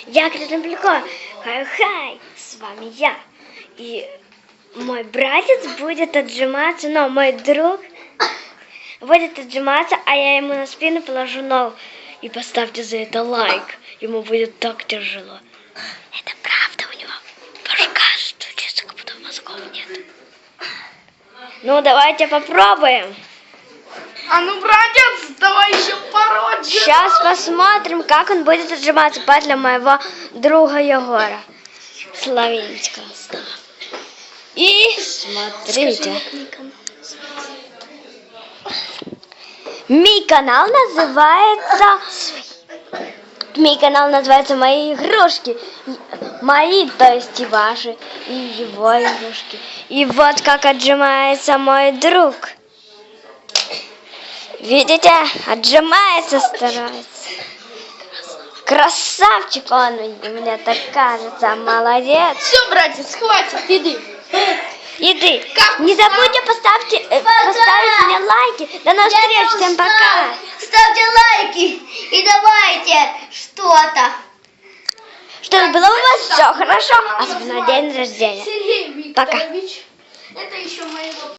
Я Красноплюко. Хай-хай, с вами я. И мой братец будет отжиматься, но мой друг будет отжиматься, а я ему на спину положу ногу. И поставьте за это лайк. Ему будет так тяжело. Это правда, у него башка стучится, как будто мозгов нет. Ну, давайте попробуем. А ну, братец, давай еще пороть. Сейчас посмотрим, как он будет отжиматься подле моего друга Егора Славинского. И смотрите. Мой канал называется «Мои игрушки». Мои, то есть и ваши, и его игрушки. И вот как отжимается мой друг. Видите? Отжимается, старается. Красавчик он, мне так кажется. Молодец. Все, братец, хватит, иди. Иди. Не забудьте поставить мне лайки. До новых встреч. Всем пока. Ставьте лайки и давайте что-то. Чтобы было у вас все хорошо. Особенно день рождения. Сергей Пока. Викторович, это еще моего...